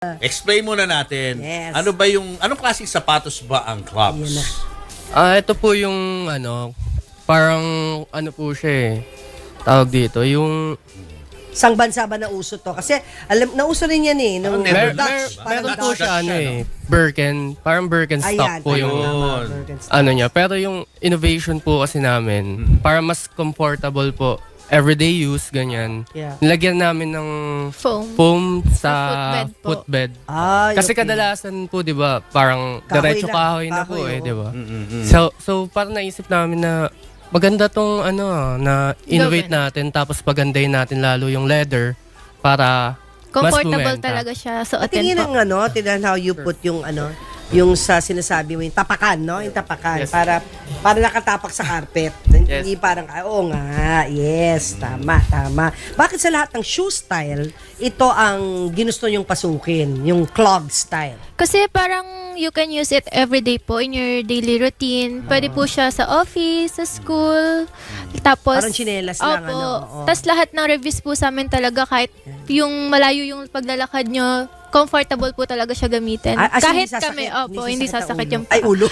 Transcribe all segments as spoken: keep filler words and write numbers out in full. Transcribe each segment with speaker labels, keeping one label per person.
Speaker 1: Explain muna natin.
Speaker 2: Yes.
Speaker 1: Ano ba yung, anong klaseng sapatos ba ang
Speaker 2: Yan na.
Speaker 1: clubs?
Speaker 3: Ah, ito po yung ano, parang ano po siya eh. Tawag dito, yung
Speaker 2: Sang bansa ba na uso to? Kasi alam, nauso rin yan eh. Nung
Speaker 1: Never
Speaker 3: mer,
Speaker 1: Dutch,
Speaker 3: mer,
Speaker 2: parang
Speaker 3: meron
Speaker 1: Dutch,
Speaker 3: po
Speaker 1: Dutch
Speaker 3: siya ano
Speaker 1: siya,
Speaker 3: eh, Birken, parang Birkenstock
Speaker 2: Ayan,
Speaker 3: po yung
Speaker 2: tama,
Speaker 1: Yun.
Speaker 2: Birkenstock.
Speaker 3: ano niya. Pero yung innovation po kasi namin, para mas comfortable po, everyday use, ganyan.
Speaker 2: Yeah.
Speaker 3: Nilagyan namin ng
Speaker 4: Foam.
Speaker 3: foam sa
Speaker 4: footbed po.
Speaker 3: footbed.
Speaker 2: Ay,
Speaker 3: Kasi
Speaker 2: okay.
Speaker 3: kadalasan po, 'di ba, parang
Speaker 2: Kahoy
Speaker 3: diretso
Speaker 2: lang.
Speaker 3: kahoy na po
Speaker 2: Kahoy,
Speaker 3: eh,
Speaker 2: oo.
Speaker 3: 'di ba?
Speaker 1: Mm-mm.
Speaker 3: So so parang naisip namin na maganda tong ano ah, na innovate
Speaker 4: Gawin.
Speaker 3: natin tapos pagandahin natin lalo yung leather para mas
Speaker 4: Comfortable
Speaker 3: bumenta.
Speaker 4: talaga siya. So,
Speaker 2: Patingin
Speaker 4: attend
Speaker 2: ng
Speaker 4: po.
Speaker 2: ano, tingnan how you put yung ano, yung sa sinasabi mo, yung tapakan, no? Yung tapakan.
Speaker 3: Yes.
Speaker 2: Para para nakatapak sa carpet.
Speaker 3: Yes.
Speaker 2: Hindi parang, ah, oo nga, yes, tama, tama. Bakit sa lahat ng shoe style, ito ang ginusto nyong pasukin, yung clog style?
Speaker 4: Kasi parang you can use it every day po in your daily routine. Pwede po siya sa office, sa school. Tapos,
Speaker 2: Parang tsinelas lang,
Speaker 4: opo.
Speaker 2: ano, oo.
Speaker 4: Tapos lahat ng reviews po sa amin talaga kahit yung malayo yung paglalakad nyo, comfortable po talaga siya gamitin.
Speaker 2: Ah, as in,
Speaker 4: kahit
Speaker 2: hindi sasakit,
Speaker 4: kami, opo, hindi
Speaker 2: ang
Speaker 4: sasakit
Speaker 2: ulo.
Speaker 4: yung paa.
Speaker 2: Ay, ulo.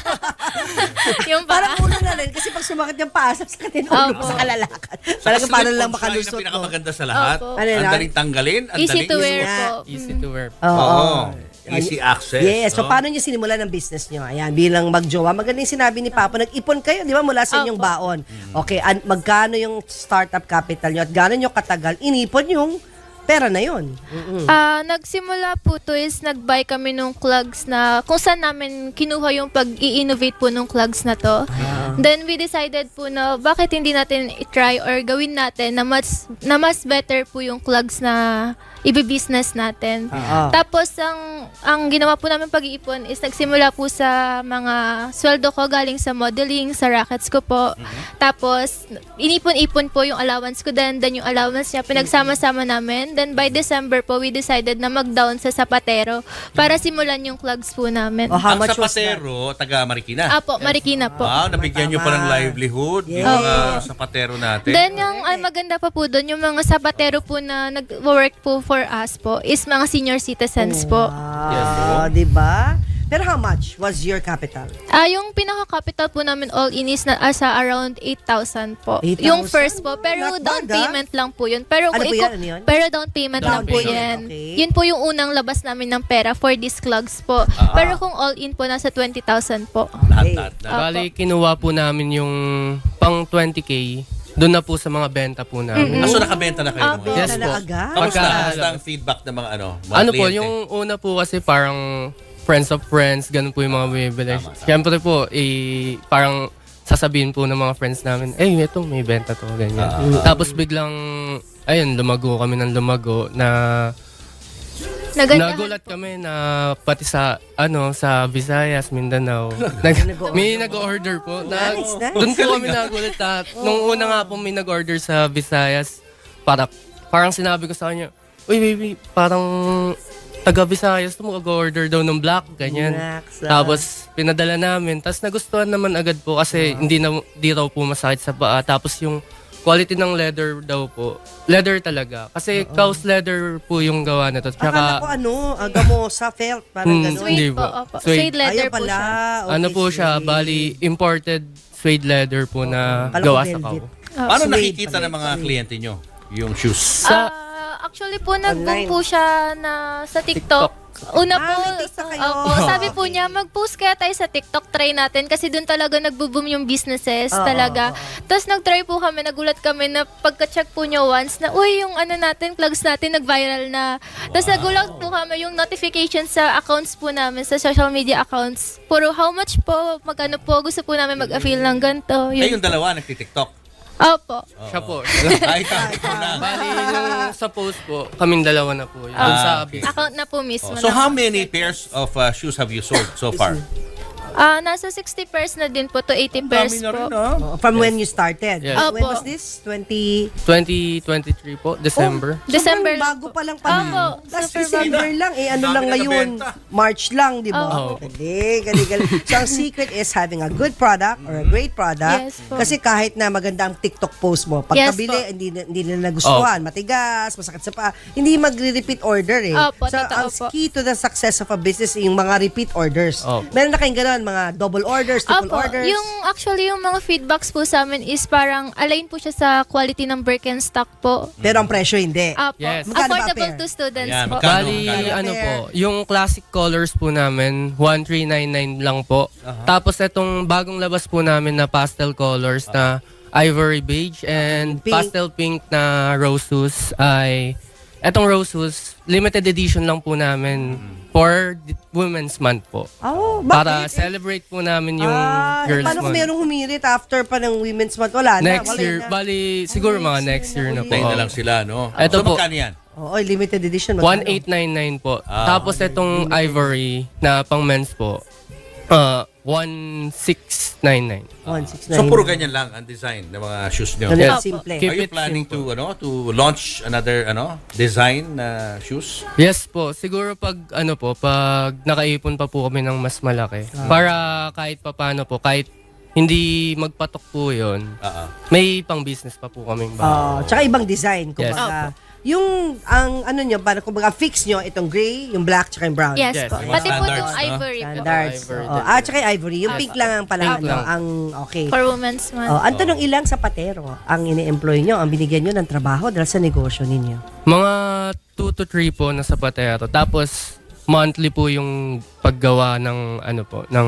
Speaker 4: yung
Speaker 2: Parang
Speaker 4: paa.
Speaker 2: ulo na rin. Kasi pag sumakit yung paa, sasakit yung ulo
Speaker 4: Opo.
Speaker 2: sa kalalakad. Talaga
Speaker 1: Sa
Speaker 2: para
Speaker 1: slip
Speaker 2: lang
Speaker 1: on fly
Speaker 2: makalusot
Speaker 1: na
Speaker 2: mo.
Speaker 1: pinakamaganda sa lahat.
Speaker 4: Opo.
Speaker 2: Ano yun,
Speaker 1: Ang
Speaker 2: ah?
Speaker 1: daling tanggalin. Ang
Speaker 4: Easy
Speaker 1: daling
Speaker 4: to wear
Speaker 2: nga.
Speaker 4: po.
Speaker 3: Easy to wear.
Speaker 2: Oo.
Speaker 1: Oo. Easy access.
Speaker 2: Yes. So,
Speaker 1: no?
Speaker 2: paano niyo sinimulan ang business niyo? Ayan, bilang magjowa. Maganda yung sinabi ni Papa. Nag-ipon kayo, di ba, mula sa inyong
Speaker 4: Opo.
Speaker 2: baon. Okay, an- magkano yung startup capital niyo at gaano niyo katagal inipon yung pera na yun? Mm-mm.
Speaker 4: Ah, nagsimula po to is nag-buy kami nung clogs na kung saan namin kinuha yung pag-i-innovate po nung clogs na to. Then we decided po na bakit hindi natin i-try or gawin natin na mas na mas better po yung clogs na ibi-business natin.
Speaker 2: Oo.
Speaker 4: Tapos ang ang ginawa po namin pag-iipon is nagsimula po sa mga sweldo ko galing sa modeling, sa rackets ko po. Tapos inipon-ipon po yung allowance ko then then yung allowance niya pinagsama-sama namin. Then by December po we decided na mag-down sa sapatero para simulan yung clogs po namin.
Speaker 2: Oh, how
Speaker 1: Ang
Speaker 2: much was that?
Speaker 1: sapatero, taga Marikina.
Speaker 4: Apo, Marikina po.
Speaker 1: Wow, nabigyan nyo pa ng
Speaker 2: Tama.
Speaker 1: livelihood
Speaker 2: Yes.
Speaker 1: yung mga sapatero natin.
Speaker 4: Then yung ay, maganda pa po doon, yung mga sapatero po na nag-work po for us po is mga senior citizens po.
Speaker 2: Wow, di ba? Pero how much was your capital?
Speaker 4: Ah, yung pinaka-capital po namin all in is na asa around eight thousand po.
Speaker 2: eight thousand?
Speaker 4: Yung first po, pero
Speaker 2: Not
Speaker 4: down
Speaker 2: bad, ah.
Speaker 4: payment lang po yun. Pero
Speaker 2: Ano
Speaker 4: kung
Speaker 2: po
Speaker 4: iko-
Speaker 2: yan? Ano yun?
Speaker 4: Pero down payment
Speaker 2: Down
Speaker 4: lang po
Speaker 2: payment,
Speaker 4: yan.
Speaker 2: okay.
Speaker 4: Yun po yung unang labas namin ng pera for these clogs po.
Speaker 2: Ah.
Speaker 4: Pero kung all in po nasa twenty thousand po.
Speaker 1: Lahat, lahat, lahat.
Speaker 3: Bali kinuha po namin yung pang twenty K doon na po sa mga benta po namin.
Speaker 1: Ah, so nakabenta na kayo
Speaker 4: Apo.
Speaker 1: naman.
Speaker 3: Yes
Speaker 2: na
Speaker 3: po.
Speaker 2: agad?
Speaker 1: Kamusta?
Speaker 3: Pagka-
Speaker 1: Kamusta ang feedback ng mga ano? Mga
Speaker 3: Ano po,
Speaker 1: kliyente?
Speaker 3: yung una po kasi parang friends of friends, ganun po yung mga bumibili.
Speaker 1: Tama, tama.
Speaker 3: Siyempre po, eh, parang sasabihin po ng mga friends namin, eh, ito, may benta to, ganyan.
Speaker 1: Ah.
Speaker 3: Tapos biglang, ayun, lumago kami ng lumago na
Speaker 4: Nagandahan
Speaker 3: nagulat
Speaker 4: po.
Speaker 3: kami na pati sa, ano, sa Visayas, Mindanao. nag, may nag-order po. Na,
Speaker 2: Nice, nice.
Speaker 3: Doon po kami nagulat na, nung una nga po may nag-order sa Visayas, para, parang sinabi ko sa kanya, uy, baby, parang taga Visayas to mag-order daw ng black, ganyan.
Speaker 2: Naks, ah.
Speaker 3: Tapos pinadala namin, tapos nagustuhan naman agad po kasi hindi na di raw po masakit sa paa. Tapos yung quality ng leather daw po, leather talaga. Kasi cow's leather po yung gawa na to.
Speaker 2: Akala ko
Speaker 3: Tsaka
Speaker 2: ano, aga sa felt, parang
Speaker 3: Hmm,
Speaker 2: gano'n.
Speaker 3: hindi
Speaker 4: Suede po,
Speaker 3: po.
Speaker 4: opo.
Speaker 3: Suede.
Speaker 4: Suede leather
Speaker 2: Ayaw
Speaker 4: po
Speaker 2: pala.
Speaker 4: siya.
Speaker 2: Okay,
Speaker 3: ano po siya,
Speaker 2: suede.
Speaker 3: bali imported suede leather po na
Speaker 2: Kala ko
Speaker 3: gawa sa
Speaker 2: velvet.
Speaker 3: cow.
Speaker 1: Paano
Speaker 2: Suede
Speaker 1: nakikita
Speaker 2: pala.
Speaker 1: ng mga kliyente nyo yung shoes?
Speaker 3: Sa
Speaker 4: Ah, actually po, nag-boom
Speaker 2: Online.
Speaker 4: po siya na sa TikTok. Una
Speaker 2: Ah,
Speaker 4: po,
Speaker 2: may TikTok kayo.
Speaker 4: opo, sabi po niya, mag-post kaya tayo sa TikTok, try natin. Kasi doon talaga nagbo-boom yung businesses
Speaker 2: Oo,
Speaker 4: talaga. Tapos nag-try po kami, nagulat kami na pagka-check po niya once na, uy, yung ano natin, plugs natin, nag-viral na. Tapos nagulat po kami yung notifications sa accounts po namin, sa social media accounts. Puro how much po, magkano po, gusto po namin mag-avail ng ganito.
Speaker 1: Eh,
Speaker 4: Yun.
Speaker 1: yung dalawa nagtitiktok.
Speaker 4: Opo.
Speaker 3: siya po.
Speaker 1: Ay, ikaw na.
Speaker 3: Bali, nung sa post po, kaming dalawa na po. Yun. Doon sa
Speaker 1: Ah, okay.
Speaker 3: business.
Speaker 4: Account na po mismo.
Speaker 1: So
Speaker 4: na-
Speaker 1: how many pairs of uh, shoes have you sold so far?
Speaker 4: Ah, nasa sixty pairs na din po to eighty pairs
Speaker 1: Dami na
Speaker 4: po.
Speaker 1: rin, ah.
Speaker 2: Oh, from when you started.
Speaker 3: Yes.
Speaker 2: When
Speaker 4: Opo.
Speaker 2: was this? twenty...
Speaker 3: twenty twenty-three po, December.
Speaker 2: Oh,
Speaker 4: December
Speaker 2: sobrang
Speaker 4: lang
Speaker 2: bago
Speaker 4: po.
Speaker 2: pa lang pala.
Speaker 4: Opo,
Speaker 2: Last
Speaker 4: super
Speaker 2: December lang. Eh, ano
Speaker 1: Dami
Speaker 2: lang
Speaker 1: na
Speaker 2: ngayon?
Speaker 1: nabenta.
Speaker 2: March lang, di ba?
Speaker 3: Oo.
Speaker 2: Galing, galing, galing. So, ang secret is having a good product or a great product.
Speaker 4: Yes po.
Speaker 2: Kasi kahit na maganda ang TikTok post mo,
Speaker 4: Yes
Speaker 2: pagkabili,
Speaker 4: po.
Speaker 2: hindi, na- hindi nila nagustuhan. Matigas, masakit sa paa. Hindi magre-repeat order eh.
Speaker 4: Opo,
Speaker 2: so,
Speaker 4: totoo
Speaker 2: ang
Speaker 4: po.
Speaker 2: key to the success of a business is yung mga repeat orders.
Speaker 3: Opo.
Speaker 2: Meron na kayong ganun, mga double orders, triple
Speaker 4: Opo,
Speaker 2: orders.
Speaker 4: yung actually yung mga feedbacks po sa amin is parang align po siya sa quality ng Birkenstock po.
Speaker 2: Pero ang presyo hindi.
Speaker 4: Opo,
Speaker 3: Yes.
Speaker 2: Magkano ba
Speaker 4: affordable
Speaker 2: pair?
Speaker 4: to students
Speaker 1: Ayan,
Speaker 4: po.
Speaker 1: magkano?
Speaker 3: Bali,
Speaker 1: magkano?
Speaker 3: ano po, yung classic colors po namin, one three nine nine lang po. Tapos itong bagong labas po namin na pastel colors na ivory beige and
Speaker 2: Pink.
Speaker 3: pastel pink na roses ay, etong roses, limited edition lang po namin for the Women's Month po.
Speaker 2: Oh,
Speaker 3: Para
Speaker 2: bakit?
Speaker 3: celebrate po namin yung
Speaker 2: Ah, eh,
Speaker 3: Girls
Speaker 2: paano kung
Speaker 3: Month.
Speaker 2: merong humirit after pa ng Women's Month? Wala na.
Speaker 3: Next
Speaker 2: wala
Speaker 3: year,
Speaker 2: na.
Speaker 3: bali, siguro mga next year na po.
Speaker 1: Tayo na lang sila, no?
Speaker 3: Eto
Speaker 1: so,
Speaker 3: po.
Speaker 1: magkano yan?
Speaker 2: Oo, limited edition. magkano?
Speaker 3: one eight nine nine po.
Speaker 1: Ah.
Speaker 3: Tapos itong ivory na pang men's po, uh, one six nine nine.
Speaker 2: one six nine.
Speaker 1: So, puro ganyan lang ang design ng mga shoes nyo.
Speaker 2: Ganun
Speaker 3: Yes.
Speaker 2: lang, simple.
Speaker 3: Keep
Speaker 1: Are you
Speaker 3: it
Speaker 1: planning
Speaker 3: simple.
Speaker 1: to ano to launch another ano design na shoes?
Speaker 3: Yes po, siguro pag ano po, pag nakaipon pa po kami ng mas malaki. Para kahit papano po, kahit hindi magpatok po yun,
Speaker 1: Oo.
Speaker 3: may pang business pa po kaming bago.
Speaker 2: Ah, tsaka ibang design.
Speaker 3: Yes.
Speaker 2: Kumbaga, yung, ang ano nyo, para kumbaga fix nyo, itong gray, yung black, tsaka yung brown.
Speaker 4: Yes,
Speaker 3: Yes.
Speaker 4: po.
Speaker 3: Yung
Speaker 1: mga
Speaker 4: Pati po
Speaker 1: standards,
Speaker 4: itong
Speaker 1: no?
Speaker 4: ivory po.
Speaker 2: Standards.
Speaker 3: Ivory
Speaker 2: Oo.
Speaker 3: din.
Speaker 2: Ah, tsaka yung ivory. Yung pink lang ang pala,
Speaker 3: Pink
Speaker 2: ano,
Speaker 3: lang.
Speaker 2: ang okay.
Speaker 4: For Women's Month.
Speaker 2: Oh, ang tanong, ilang sapatero ang ini-employ nyo, ang binigyan nyo ng trabaho dahil sa negosyo ninyo?
Speaker 3: Mga two to three po na sapatero. Tapos monthly po yung paggawa ng ano po, ng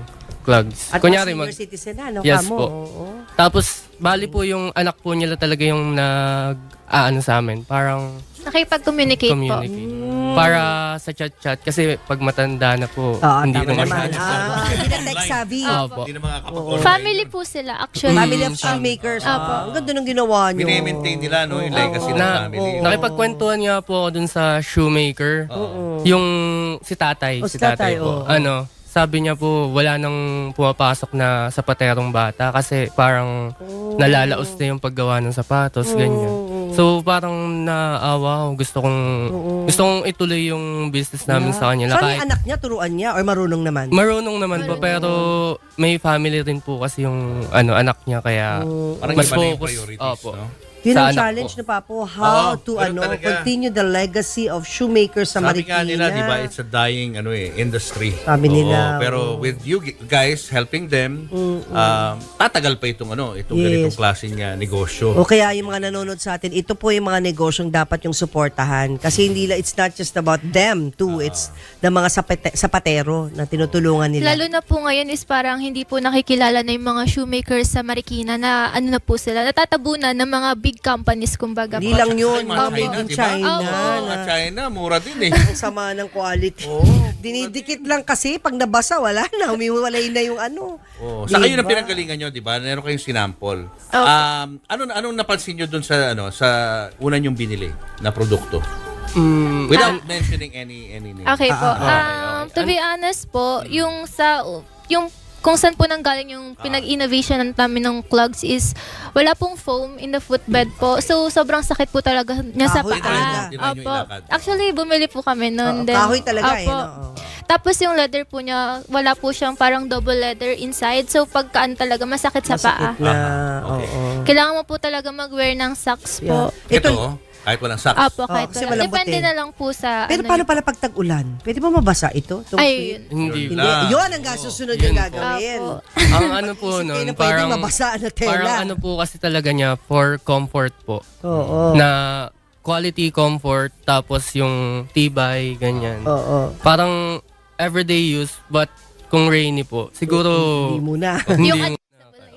Speaker 3: clogs.
Speaker 2: At
Speaker 3: Kunyari
Speaker 2: mga
Speaker 3: mag
Speaker 2: senior citizen na, no?
Speaker 3: Yes
Speaker 2: Kamo,
Speaker 3: po.
Speaker 2: oo.
Speaker 3: Tapos bali po yung anak po nila talaga yung nag aano sa amin, parang
Speaker 4: Nakipag-communicate po.
Speaker 3: communicate. Para sa chat-chat kasi pag matanda na po,
Speaker 2: Oo,
Speaker 3: hindi
Speaker 2: tama
Speaker 3: na
Speaker 2: naman.
Speaker 3: masyado.
Speaker 2: Ah, hindi na tech savvy.
Speaker 3: Opo.
Speaker 1: Hindi na makakapag
Speaker 4: Family po sila actually.
Speaker 2: Family of
Speaker 3: Mm,
Speaker 2: shoemakers.
Speaker 4: Opo.
Speaker 2: Ah, ang ganda ng ginawa nyo.
Speaker 1: Mini-maintain nila no yung legacy ng
Speaker 3: Na,
Speaker 1: family.
Speaker 3: nakipagkwentuhan nga po ako dun sa shoemaker. Yung si tatay,
Speaker 2: Oh,
Speaker 3: si
Speaker 2: si tatay,
Speaker 3: tatay po.
Speaker 2: oo.
Speaker 3: Ano, sabi niya po wala nang pumapasok na sapaterong bata kasi parang nalalaos na yung paggawa ng sapatos, ganyan. So parang naawa ako. Gusto kong gusto kong ituloy yung business namin sa kanya.
Speaker 2: So, ano
Speaker 3: Kahit
Speaker 2: yung anak niya, turuan niya, or marunong naman?
Speaker 3: marunong naman po pero may family rin po kasi yung ano anak niya kaya
Speaker 1: Parang
Speaker 3: mas
Speaker 1: iba na yung
Speaker 3: focus.
Speaker 1: priorities,
Speaker 3: Opo.
Speaker 1: no?
Speaker 2: Yun
Speaker 3: sa
Speaker 2: ang
Speaker 3: anak
Speaker 2: challenge
Speaker 3: ko.
Speaker 2: na Papo, how
Speaker 1: Oo,
Speaker 2: to
Speaker 1: ganun
Speaker 2: ano
Speaker 1: talaga.
Speaker 2: continue the legacy of shoemakers sa
Speaker 1: Sabi
Speaker 2: Marikina.
Speaker 1: nga nila, di ba, it's a dying ano eh, industry.
Speaker 2: Sabi
Speaker 1: Oo,
Speaker 2: nila,
Speaker 1: pero with you gi- guys helping them, um, tatagal pa itong ano, itong
Speaker 2: Yes.
Speaker 1: ganitong klaseng uh, negosyo.
Speaker 2: O kaya yung mga nanonood sa atin, ito po yung mga negosyong dapat yung suportahan. Kasi hindi la- it's not just about them too, it's the mga sapate- sapatero na tinutulungan nila.
Speaker 4: Lalo na po ngayon is parang hindi po nakikilala na yung mga shoemakers sa Marikina na ano na po sila, natatabunan ng mga big companies kumbaga
Speaker 2: Hindi
Speaker 4: po.
Speaker 2: lang yun,
Speaker 1: Ay, mga
Speaker 2: mga made in
Speaker 1: di ba?
Speaker 2: China.
Speaker 1: Oo,
Speaker 2: na-
Speaker 1: mga China, mura din eh.
Speaker 2: Ang sama ng quality. Dinidikit lang kasi pag nabasa, wala na. Umiwalay na yung ano.
Speaker 1: Oh, sa kayo na
Speaker 2: Diba?
Speaker 1: pinanggalingan nyo, di ba? Meron kayong sinample. Um, ano anong napansin nyo dun sa ano sa una nyong binili na produkto?
Speaker 3: Mm,
Speaker 1: Without mentioning any any name.
Speaker 4: Okay po.
Speaker 2: Ah,
Speaker 1: okay,
Speaker 4: Um,
Speaker 1: okay.
Speaker 4: to be honest po, yung sa yung kung saan po nanggaling yung pinag-innovation namin ng clogs is wala pong foam in the footbed po. So, sobrang sakit po talaga niya sa
Speaker 2: Kahoy
Speaker 4: paa.
Speaker 2: talaga.
Speaker 1: Hindi na nyo
Speaker 4: Opo.
Speaker 1: ilakad.
Speaker 4: Actually, bumili po kami noon.
Speaker 2: Oo,
Speaker 4: Then,
Speaker 2: kahoy talaga eh,
Speaker 4: opo.
Speaker 2: no? Oo.
Speaker 4: Tapos yung leather po niya, wala po siyang parang double leather inside. So, pagkaan talaga, masakit sa paa.
Speaker 2: Masakit na.
Speaker 1: Ah, okay.
Speaker 2: Oo.
Speaker 4: Kailangan mo po talaga mag-wear ng socks po.
Speaker 2: Yeah.
Speaker 1: Ito,
Speaker 2: Ito,
Speaker 1: kahit walang socks.
Speaker 4: Opo, kahit
Speaker 2: kasi
Speaker 4: wala.
Speaker 2: malambot
Speaker 4: Depende
Speaker 2: eh.
Speaker 4: na lang po sa
Speaker 2: pero
Speaker 4: ano
Speaker 2: paano
Speaker 4: niyo.
Speaker 2: pala pag tag-ulan? Pwede ba mabasa ito? Itong
Speaker 4: Ay, yun.
Speaker 3: hindi.
Speaker 1: Yun
Speaker 2: Hindi.
Speaker 1: lang.
Speaker 2: Yun ang susunod
Speaker 3: Yun
Speaker 2: yung
Speaker 3: po.
Speaker 2: gagawin.
Speaker 4: Opo.
Speaker 3: Ang ano po
Speaker 2: Isipin
Speaker 3: nun,
Speaker 2: na pwedeng
Speaker 3: parang
Speaker 2: mabasa na tela.
Speaker 3: parang ano po kasi talaga niya for comfort po.
Speaker 2: Oo.
Speaker 3: Na quality comfort tapos yung tibay ganyan.
Speaker 2: Oo.
Speaker 3: Parang everyday use but kung rainy po siguro
Speaker 2: Hindi muna.
Speaker 3: hindi
Speaker 4: Yung
Speaker 3: muna.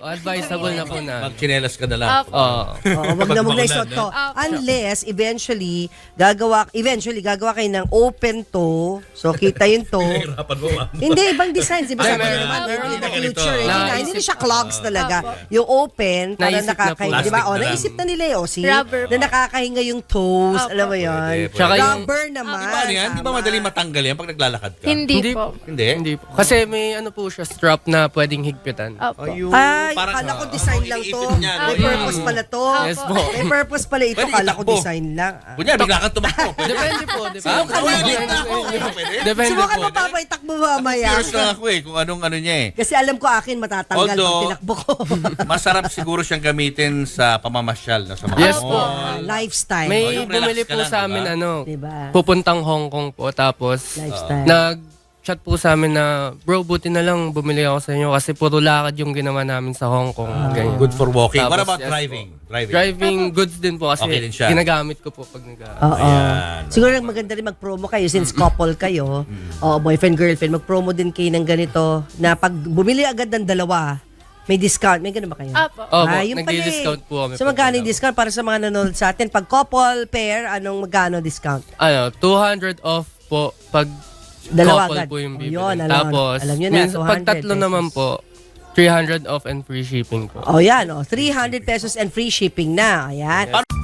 Speaker 3: advisable na po na.
Speaker 1: Magchinelas ka na lang.
Speaker 4: Opo.
Speaker 3: Oo.
Speaker 2: Oo, wag na wag na isuot to.
Speaker 4: Opo.
Speaker 2: Unless, eventually, gagawa, eventually, gagawa kayo ng open to. So, kita yun to.
Speaker 1: Hirapan mo, ma'am.
Speaker 2: Hindi, ibang designs. Diba sabi
Speaker 3: Meron-
Speaker 2: nyo naman,
Speaker 3: meron
Speaker 2: in the
Speaker 1: na ganito.
Speaker 2: future, eh, hindi na,
Speaker 3: Naisip
Speaker 2: hindi na siya clogs talaga.
Speaker 4: Opo.
Speaker 2: Yung open, para
Speaker 3: Naisip na
Speaker 2: nakakahinga.
Speaker 1: po.
Speaker 2: Di ba?
Speaker 1: Plastic
Speaker 2: O,
Speaker 1: na lang.
Speaker 2: naisip na nila eh. O, see?
Speaker 4: Rubber
Speaker 2: Na
Speaker 4: po.
Speaker 2: nakakahinga yung toes.
Speaker 4: Opo.
Speaker 2: Alam mo yun?
Speaker 1: Pwede, pwede.
Speaker 3: Tsaka yung-
Speaker 2: Rubber naman.
Speaker 1: Di ba ano yan? Di ba
Speaker 2: tama.
Speaker 1: madaling matanggal yan pag naglalakad ka?
Speaker 4: Hindi,
Speaker 3: Hindi
Speaker 4: po.
Speaker 1: Hindi?
Speaker 3: Hindi po. Kasi may ano po siya, strap na pwedeng higpitan.
Speaker 4: Opo.
Speaker 1: Ayun.
Speaker 2: Ay,
Speaker 1: Parang-
Speaker 2: akala ko design lang to.
Speaker 1: iniipit niya, no?
Speaker 2: May purpose pala to.
Speaker 3: Yes po.
Speaker 2: May purpose pala ito.
Speaker 1: Pwede
Speaker 2: Akala ko
Speaker 1: itakbo.
Speaker 2: design lang. Ah.
Speaker 1: Kunya, bigla kang tumakbo. Pwede?
Speaker 3: Depende po.
Speaker 1: Ah,
Speaker 3: Depende.
Speaker 1: pwede na ako. Pwede?
Speaker 3: Depende
Speaker 2: Subukan
Speaker 3: po.
Speaker 2: mo pa, itakbo mamaya.
Speaker 1: Curious lang ako eh, kung anong ano niya eh.
Speaker 2: Kasi alam ko akin matatanggal pag
Speaker 1: Although-
Speaker 2: tinakbo ko.
Speaker 1: Masarap siguro siyang gamitin sa pamamasyal, no? Sa mga
Speaker 3: Yes
Speaker 1: mall.
Speaker 3: po.
Speaker 2: Ah, lifestyle.
Speaker 3: May
Speaker 1: Oh, yung relax
Speaker 3: bumili
Speaker 1: ka
Speaker 3: po
Speaker 1: lang,
Speaker 3: sa amin
Speaker 1: diba?
Speaker 3: ano,
Speaker 2: Diba?
Speaker 3: pupuntang Hong Kong po. Tapos,
Speaker 2: Lifestyle.
Speaker 3: nag-chat po sa amin na, bro, buti na lang bumili ako sa inyo kasi puro lakad yung ginawa namin sa Hong Kong. Ganyan.
Speaker 1: Good for walking. What
Speaker 3: Tapos,
Speaker 1: about
Speaker 3: yes
Speaker 1: driving? Driving.
Speaker 3: Driving goods din po kasi
Speaker 1: Okay din siya.
Speaker 3: ginagamit ko po pag nag
Speaker 2: Oo.
Speaker 1: Ayan.
Speaker 2: Siguro maganda rin mag-promo kayo since couple kayo. O boyfriend, girlfriend, mag-promo din kayo ng ganito na pag bumili agad ng dalawa, may discount. May ganun ba kayo?
Speaker 4: Opo.
Speaker 3: Opo,
Speaker 2: Ah, yung pala eh.
Speaker 3: nagdi-discount po kami.
Speaker 2: So
Speaker 3: pag
Speaker 2: magkano yung
Speaker 3: dalawa.
Speaker 2: discount para sa mga nanonood sa atin? Pag couple, pair, anong magkano discount?
Speaker 3: Ano, two hundred off po pag
Speaker 2: Dalawa
Speaker 3: couple
Speaker 2: agad.
Speaker 3: po yung
Speaker 2: O,
Speaker 3: bibili.
Speaker 2: yun, alam-
Speaker 3: Tapos,
Speaker 2: alam nyo na,
Speaker 3: minsan,
Speaker 2: two
Speaker 3: pag
Speaker 2: hundred
Speaker 3: tatlo
Speaker 2: pesos.
Speaker 3: naman po, three hundred off and free shipping po.
Speaker 2: O yan, o, three hundred pesos and free shipping na. Ayan.